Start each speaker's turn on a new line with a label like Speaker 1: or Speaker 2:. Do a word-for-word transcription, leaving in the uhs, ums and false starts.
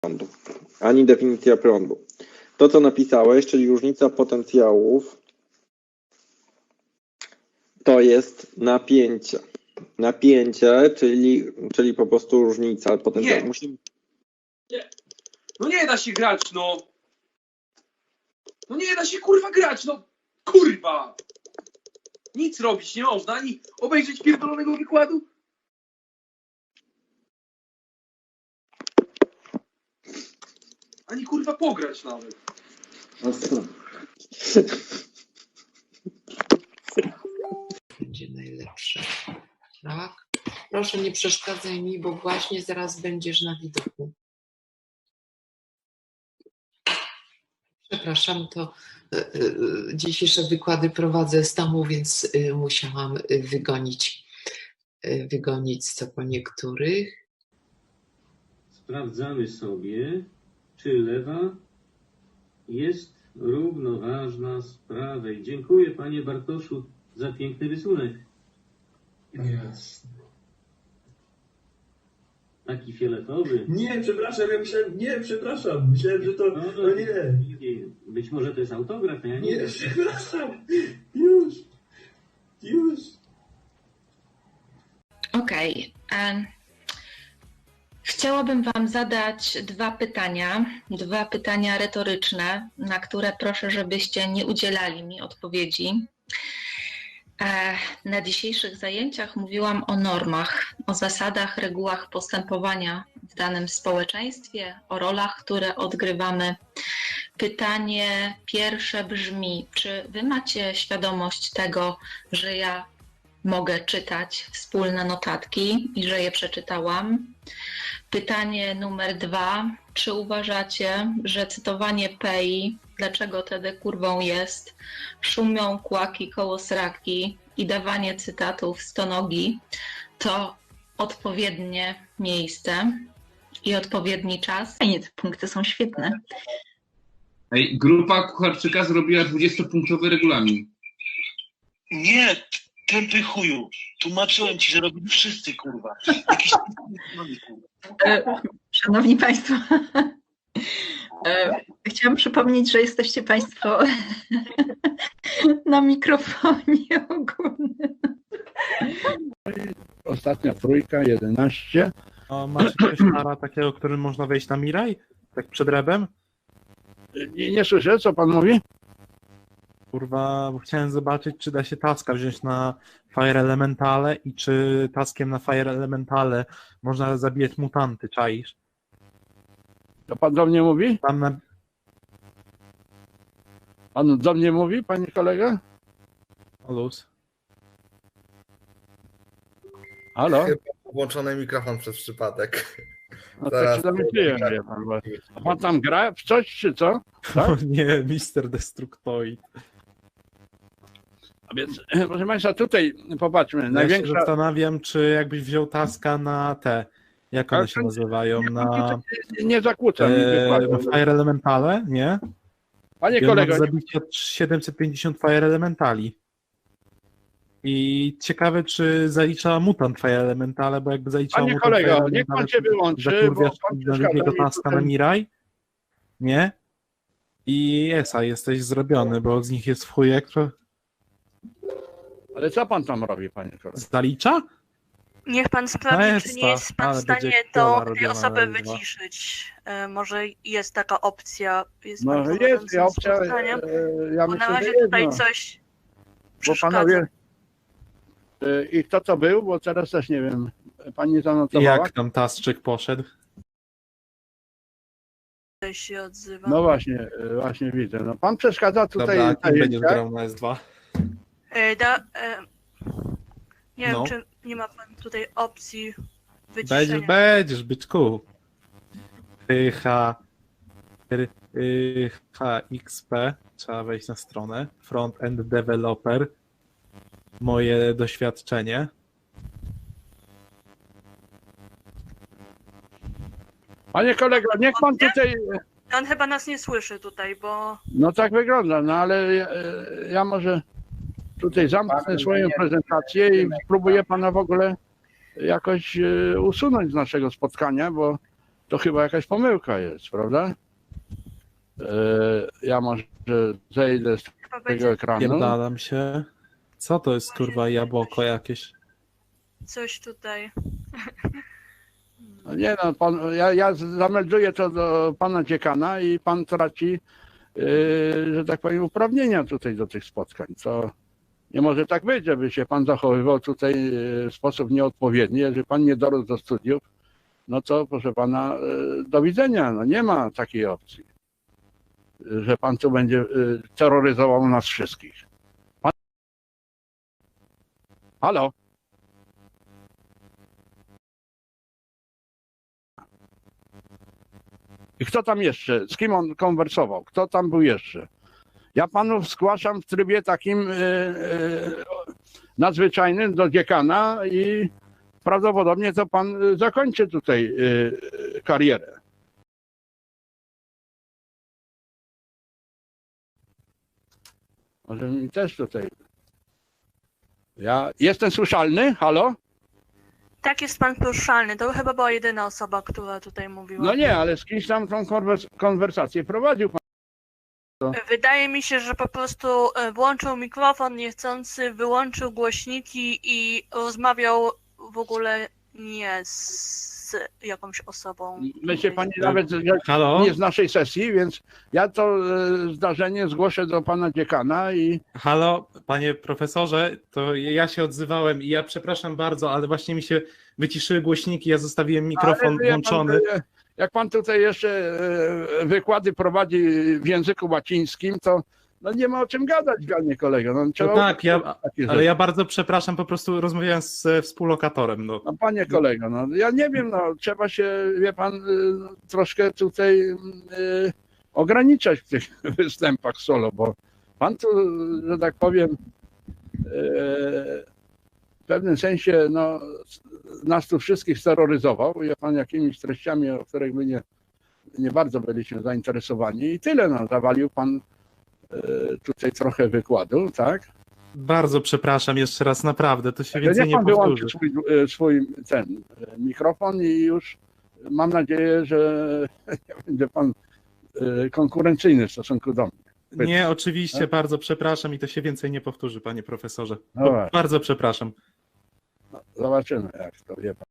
Speaker 1: prądu, ani definicja prądu. To, co napisałeś, czyli różnica potencjałów, to jest napięcie. Napięcie, czyli, czyli po prostu różnica potencjału.
Speaker 2: Nie.
Speaker 1: Musimy...
Speaker 2: nie. No nie da się grać, no. No nie da się kurwa grać, no. Kurwa. Nic robić nie można, ani obejrzeć pierdolonego wykładu. Ani kurwa pograć nawet.
Speaker 3: Będzie najlepsze. Tak? Proszę nie przeszkadzaj mi, bo właśnie zaraz będziesz na widoku. Przepraszam, to y, y, dzisiejsze wykłady prowadzę z domu, więc y, musiałam y, wygonić, y, wygonić co po niektórych.
Speaker 4: Sprawdzamy sobie, czy lewa jest równoważna z prawej. Dziękuję, panie Bartoszu, za piękny rysunek.
Speaker 5: Jasne.
Speaker 4: Taki fioletowy.
Speaker 5: Nie, przepraszam, ja myślałem, nie, przepraszam, myślałem, że to,
Speaker 4: No,
Speaker 5: no nie.
Speaker 4: Być może to jest autograf, ja nie
Speaker 5: Nie,
Speaker 4: wiem.
Speaker 5: przepraszam, już, już.
Speaker 6: Okej. Okay. Chciałabym Wam zadać dwa pytania, dwa pytania retoryczne, na które proszę, żebyście nie udzielali mi odpowiedzi. Na dzisiejszych zajęciach mówiłam o normach, o zasadach, regułach postępowania w danym społeczeństwie, o rolach, które odgrywamy. Pytanie pierwsze brzmi, czy Wy macie świadomość tego, że ja mogę czytać wspólne notatki i że je przeczytałam? Pytanie numer dwa, czy uważacie, że cytowanie Pei, dlaczego tedy kurwą jest, szumią kłaki koło sraki i dawanie cytatów stonogi to odpowiednie miejsce i odpowiedni czas?
Speaker 7: Fajnie, te punkty są świetne.
Speaker 8: Ej, grupa Kucharczyka zrobiła dwudziestopunktowy regulamin.
Speaker 9: Nie, tępy chuju. Tłumaczyłem ci, że robili wszyscy, kurwa. Jakiś...
Speaker 7: E, Szanowni Państwo, e, chciałam przypomnieć, że jesteście Państwo na mikrofonie ogólnym.
Speaker 10: Ostatnia trójka, jedenaście.
Speaker 11: A macie coś para takiego, którym można wejść na Miraj? Tak przed rebem?
Speaker 10: Nie, nie słyszę, co pan mówi?
Speaker 11: Kurwa, bo chciałem zobaczyć, czy da się taska wziąć na Fire Elementale i czy taskiem na Fire Elementale można zabijać mutanty, czaisz?
Speaker 10: To pan do mnie mówi?
Speaker 11: Tam na...
Speaker 10: Pan do mnie mówi, panie kolega?
Speaker 11: O luz.
Speaker 10: Halo?
Speaker 12: Chyba włączony mikrofon przez przypadek.
Speaker 10: No to się domyśliłem, wie pan. Bo... A pan tam gra w coś, czy co? Tak?
Speaker 11: O nie, mister Destructoid.
Speaker 10: A więc, proszę państwa, tutaj popatrzmy.
Speaker 11: Ja
Speaker 10: największa...
Speaker 11: się zastanawiam, czy jakbyś wziął taska na te, jak one się nazywają, na...
Speaker 10: Nie zakłócam.
Speaker 11: E, na Fire Elementale, nie?
Speaker 10: Panie
Speaker 11: I
Speaker 10: kolego...
Speaker 11: zabić od siedemset pięćdziesiąt Fire Elementali. I ciekawe, czy zalicza mutant Fire Elementale, bo jakby zaliczał
Speaker 10: Panie
Speaker 11: mutant
Speaker 10: kolego,
Speaker 11: Fire
Speaker 10: niech pan się wyłączy,
Speaker 11: zakurwiasz
Speaker 10: bo pan
Speaker 11: na drugiego taska
Speaker 10: tutaj...
Speaker 11: na Miraj, nie? I Esa, jesteś zrobiony, bo z nich jest w chujek.
Speaker 10: Ale co pan tam robi, panie kolego?
Speaker 11: Zalicza?
Speaker 13: Niech pan sprawdzi, czy nie jest pan w stanie tą osobę
Speaker 11: na
Speaker 13: wyciszyć. E, może jest taka opcja. Jest
Speaker 10: No
Speaker 13: pan
Speaker 10: jest
Speaker 13: z
Speaker 10: opcja, e, ja
Speaker 13: bo
Speaker 10: myślę,
Speaker 13: na razie
Speaker 10: że
Speaker 13: tutaj
Speaker 10: jedno.
Speaker 13: coś
Speaker 10: Bo
Speaker 13: przeszkadza.
Speaker 10: panowie... e, I kto to był? Bo teraz też nie wiem. Pani zanotowała?
Speaker 11: Jak tam Tasczyk poszedł?
Speaker 13: Się odzywa.
Speaker 10: No właśnie, e, właśnie widzę. No, pan przeszkadza tutaj...
Speaker 11: Dobra, kim
Speaker 10: zajęcia.
Speaker 11: będziesz grał na S dwa?
Speaker 13: E, da, e, nie
Speaker 11: No.
Speaker 13: wiem, czy nie ma pan tutaj opcji
Speaker 11: Będziesz,
Speaker 13: wyciszenia.
Speaker 11: będziesz, byczku. H, H X P, trzeba wejść na stronę. Front-end developer. Moje doświadczenie.
Speaker 10: Panie kolego, niech pan tutaj...
Speaker 13: On chyba nas nie słyszy tutaj, bo...
Speaker 10: No tak wygląda, no ale ja, ja może tutaj zamknę swoją prezentację i spróbuję pana w ogóle jakoś usunąć z naszego spotkania, bo to chyba jakaś pomyłka jest, prawda? E, ja może zejdę z tego ekranu.
Speaker 11: Pierdalam się. Co to jest kurwa jabłko jakieś?
Speaker 13: Coś tutaj.
Speaker 10: No nie no, pan, ja, ja zamelduję to do pana dziekana i pan traci, yy, że tak powiem, uprawnienia tutaj do tych spotkań. To nie może tak być, żeby się pan zachowywał tutaj w sposób nieodpowiedni. Jeżeli pan nie dorósł do studiów, no to proszę pana, yy, do widzenia. No nie ma takiej opcji, że pan tu będzie yy, terroryzował nas wszystkich. Pan... Halo? I kto tam jeszcze? Z kim on konwersował? Kto tam był jeszcze? Ja panów zgłaszam w trybie takim yy, yy, nadzwyczajnym do dziekana i prawdopodobnie to pan zakończy tutaj yy, karierę. Może mi też tutaj. Ja jestem słyszalny? Halo?
Speaker 13: Tak, jest pan poruszalny. To chyba była jedyna osoba, która tutaj mówiła.
Speaker 10: No nie, ale z kimś tam tą konwers konwersację prowadził pan. To...
Speaker 13: Wydaje mi się, że po prostu włączył mikrofon niechcący, wyłączył głośniki i rozmawiał w ogóle nie z jakąś osobą.
Speaker 10: Myślę pani nawet
Speaker 11: Halo?
Speaker 10: nie z naszej sesji, więc ja to zdarzenie zgłoszę do pana dziekana i...
Speaker 11: Halo, panie profesorze, to ja się odzywałem i ja przepraszam bardzo, ale właśnie mi się wyciszyły głośniki, ja zostawiłem mikrofon
Speaker 10: Ale
Speaker 11: włączony.
Speaker 10: Pan, jak pan tutaj jeszcze wykłady prowadzi w języku łacińskim, to no nie ma o czym gadać, panie kolego. No,
Speaker 11: No tak, ja, ale ja bardzo przepraszam, po prostu rozmawiałem z współlokatorem. No,
Speaker 10: no panie kolego, no ja nie wiem, no trzeba się, wie pan, troszkę tutaj y, ograniczać w tych występach solo, bo pan tu, że tak powiem, y, w pewnym sensie no, nas tu wszystkich steroryzował, wie pan, jakimiś treściami, o których my nie, nie bardzo byliśmy zainteresowani i tyle, no, zawalił pan tutaj trochę wykładu, tak?
Speaker 11: Bardzo przepraszam jeszcze raz, naprawdę, to się
Speaker 10: Ale
Speaker 11: więcej
Speaker 10: nie
Speaker 11: nie
Speaker 10: pan
Speaker 11: powtórzy.
Speaker 10: wyłączy swój, swój ten mikrofon i już mam nadzieję, że nie będzie pan konkurencyjny w stosunku do mnie.
Speaker 11: Nie, oczywiście,
Speaker 10: tak?
Speaker 11: Bardzo przepraszam i to się więcej nie powtórzy, panie profesorze.
Speaker 10: No
Speaker 11: Bardzo przepraszam.
Speaker 10: No, zobaczymy, jak to wie pan.